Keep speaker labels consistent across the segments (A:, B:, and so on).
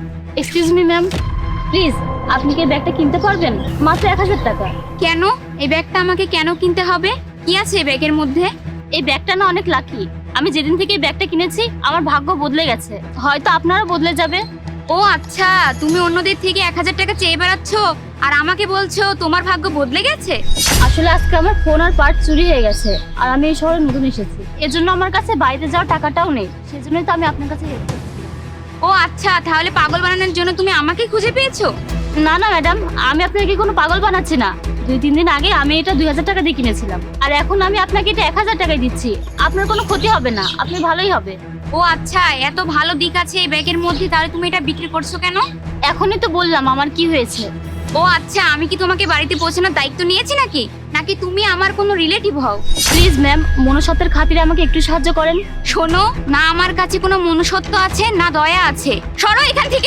A: Excuse me ma'am, please আপনি কি এই ব্যাগটা কিনতে পারবেন? মাত্র 1000 টাকা।
B: কেন? এই ব্যাগটা আমাকে কেন কিনতে হবে? কি আছে এই ব্যাগের মধ্যে?
A: এই ব্যাগটা না অনেক লাকি। আমি যেদিন থেকে এই ব্যাগটা কিনেছি আমার ভাগ্য বদলে গেছে, হয়তো আপনারও বদলে যাবে।
B: ও আচ্ছা, তুমি অন্যদের থেকে 1000 টাকা চেয়ে বেড়াচ্ছ আর আমাকে বলছো তোমার ভাগ্য বদলে গেছে।
A: আসলে আজকে আমার ফোন আর পার্ট চুরি হয়ে গেছে, আর আমি এই শহরে নতুন এসেছি, এজন্য আমার কাছে বাইরে যাওয়ার টাকাটাও নেই। সেজন্যই তো আমি আপনার কাছে হেল্প করছি।
B: ও আচ্ছা, তাহলে পাগল বানানোর জন্য তুমি আমাকে খুঁজে পেয়েছো?
A: না না ম্যাডাম, আমি আপনাকে কোনো পাগল বানাচ্ছি না। 2-3 দিন আগে আমি এটা 2000 টাকা দিয়ে কিনেছিলাম, আর এখন আমি আপনাকে এটা 1000 টাকায় দিচ্ছি। আপনার কোনো ক্ষতি হবে না, আপনি ভালোই হবে।
B: ও আচ্ছা, এত ভালো দিক আছে এই ব্যাগের মধ্যে, তাহলে তুমি এটা বিক্রি করছো কেন?
A: এখনই তো বললাম আমার কি হয়েছে।
B: ও আচ্ছা, আমি কি তোমাকে বাড়িতে পৌঁছানোর দায়িত্ব নিয়েছি নাকি নাকি তুমি আমার কোনো রিলেটিভ হও?
A: প্লিজ ম্যাম, মনুষ্যত্বের খাতিরে আমাকে একটু সাহায্য করেন।
B: শোনো, না আমার কাছে কোনো মনুষ্যত্ব আছে না দয়া আছে, সরো এখান থেকে।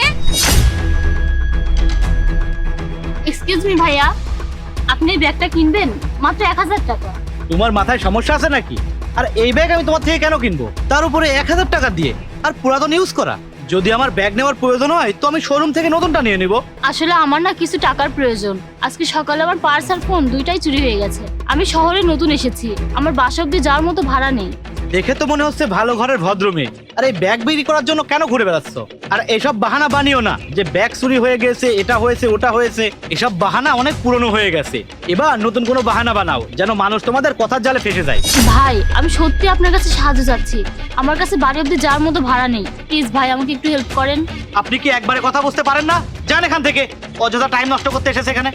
A: এক্সকিউজ মি ভাইয়া, আপনি এই ব্যাগটা কিনবেন? মাত্র 1000 টাকা।
C: তোমার মাথায় সমস্যা আছে নাকি? আর এই ব্যাগ আমি তোমার থেকে কেন কিনবো, তার উপরে 1000 টাকা দিয়ে, আর পুরাতন ইউজ করা? যদি আমার ব্যাগ নেওয়ার প্রয়োজন হয় তো আমি শোরুম থেকে নতুনটা নিয়ে নিব।
A: আসলে আমার না কিছু টাকার প্রয়োজন। আজকে সকালে আমার পার্স আর ফোন দুইটাই চুরি হয়ে গেছে। আমি শহরে নতুন এসেছি, আমার বাসা অব্দি যাওয়ার মতো ভাড়া নেই।
C: দেখে তো মনে হচ্ছে ভালো ঘরের ভদ্র মেয়ে। আর এই ব্যাগ বিক্রি করার জন্য কেন ঘুরে বেড়াচ্ছ? আর এসব বাহানা বানিও না যে ব্যাগ চুরি হয়ে গেছে, এটা হয়েছে ওটা হয়েছে। এসব বাহানা অনেক পুরনো হয়ে গেছে। এবার নতুন কোনো বাহানা বানাও যেন মানুষ তোমাদের কথার জালে ফেসে যায়।
A: ভাই, আমি সত্যি আপনার কাছে সাহায্য চাচ্ছি। আমার কাছে বাড়ি অব্দি যাওয়ার মতো ভাড়া নেই। প্লিজ ভাই, আমাকে একটু হেল্প করেন।
C: আপনি কি একবারে কথা বুঝতে পারেন না? যান এখান থেকে, অযথা টাইম নষ্ট করতে এসেছে এখানে।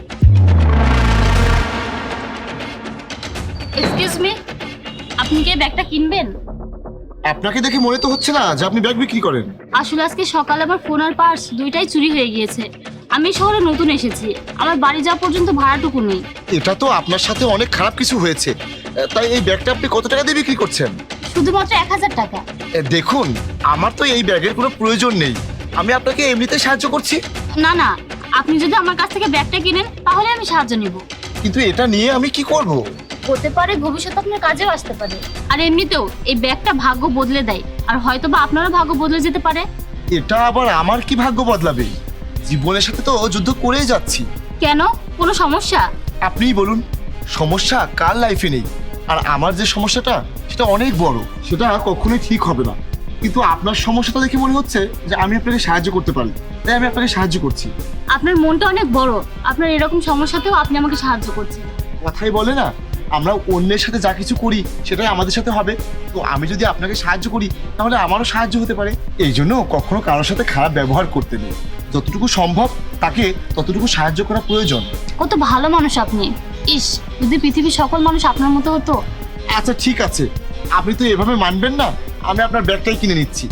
A: এক্সকিউজ মি, আপনি কি এই ব্যাগটা কিনবেন?
D: আপনাকে দেখে মনে তো হচ্ছে না যে আপনি ব্যাগ বিক্রি করেন।
A: আসলে আজকে সকালে আমার ফোন আর পার্স দুইটাই চুরি হয়ে গিয়েছে। আমি শহরে নতুন এসেছি, আমার বাড়ি যাওয়া পর্যন্ত ভাড়াটুকু নেই।
D: এটা তো আপনার সাথে অনেক খারাপ কিছু হয়েছে। তাই এই ব্যাগটা আপনি কত টাকা দিয়ে বিক্রি করছেন?
A: শুধুমাত্র 1000 টাকা।
D: দেখুন, আমার তো এই ব্যাগের কোনো প্রয়োজন নেই। আমি আপনাকে এমনিতে সাহায্য করছি।
A: না না, আপনি যদি আমার কাছ থেকে ব্যাগটা কিনেন তাহলে আমি সাহায্য নিব।
D: কিন্তু এটা নিয়ে আমি কি করব?
A: হতে পারে ভবিষ্যতে আপনার কাজেও আসতে পারে। আর এমনিতেও এই ব্যাগটা ভাগ্য বদলে দেয়, আর হয়তো বা আপনারও ভাগ্য বদলে যেতে পারে।
D: এটা আবার আমার কি ভাগ্য বদলাবে? জীবনের সাথে তো যুদ্ধ করেই যাচ্ছি।
A: কেন, কোনো সমস্যা?
D: আপনিই বলুন, সমস্যা কার লাইফে নেই? আর আমার যে সমস্যাটা সেটা অনেক বড়, সেটা কখনোই ঠিক হবে না। কিন্তু আপনার সমস্যাটা দেখে মনে হচ্ছে যে আমি আপনাকে সাহায্য করতে পারি, তাই আমি আপনাকে সাহায্য করছি।
A: আপনার মনটা অনেক বড়, আপনার এরকম সমস্যাতেও আপনি আমাকে সাহায্য করছেন।
D: কথাই বলে না, আমরা অন্যের সাথে যা কিছু করি সেটাই আমাদের সাথে হবে। তো আমি যদি আপনাকে সাহায্য করি তাহলে আমারও সাহায্য হতে পারে। এই জন্য কখনো কারোর সাথে খারাপ ব্যবহার করতে নেই। যতটুকু সম্ভব তাকে ততটুকু সাহায্য করা প্রয়োজন।
A: কত ভালো মানুষ আপনি। ইস, যদি পৃথিবীর সকল মানুষ আপনার মতো হতো।
D: আচ্ছা ঠিক আছে, আপনি তো এভাবে মানবেন না। আমি আপনার ব্যাগটাই কিনে নিচ্ছি।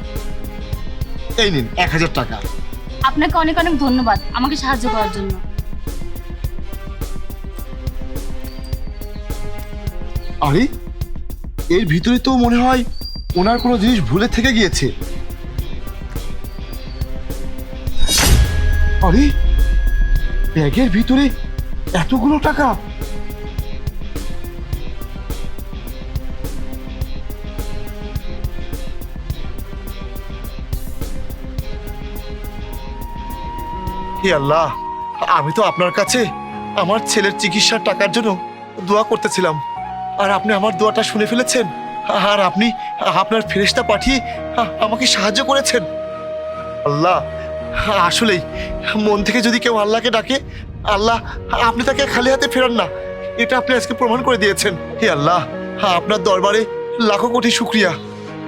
D: এই নিন 1000 টাকা।
A: আপনাকে অনেক অনেক ধন্যবাদ আমাকে সাহায্য করার জন্য।
D: আরে, এর ভিতরে তো মনে হয় ওনার কোনো জিনিস ভুলে থেকে গিয়েছে। আরে, ব্যাগের ভিতরে এতগুলো টাকা! হে আল্লাহ, আমি তো আপনার কাছে আমার ছেলের চিকিৎসার টাকার জন্য দোয়া করতেছিলাম, আর আপনি আমার দোয়াটা শুনে ফেলেছেন। আর আপনি আপনার ফেরেশতা পাঠিয়ে আমাকে সাহায্য করেছেন। আল্লাহ, আসলেই মন থেকে যদি কেউ আল্লাহকে ডাকে, আল্লাহ আপনি তাকে খালি হাতে ফেরান না। এটা আপনি আজকে প্রমাণ করে দিয়েছেন। হে আল্লাহ, আপনার দরবারে লাখো কোটি শুকরিয়া।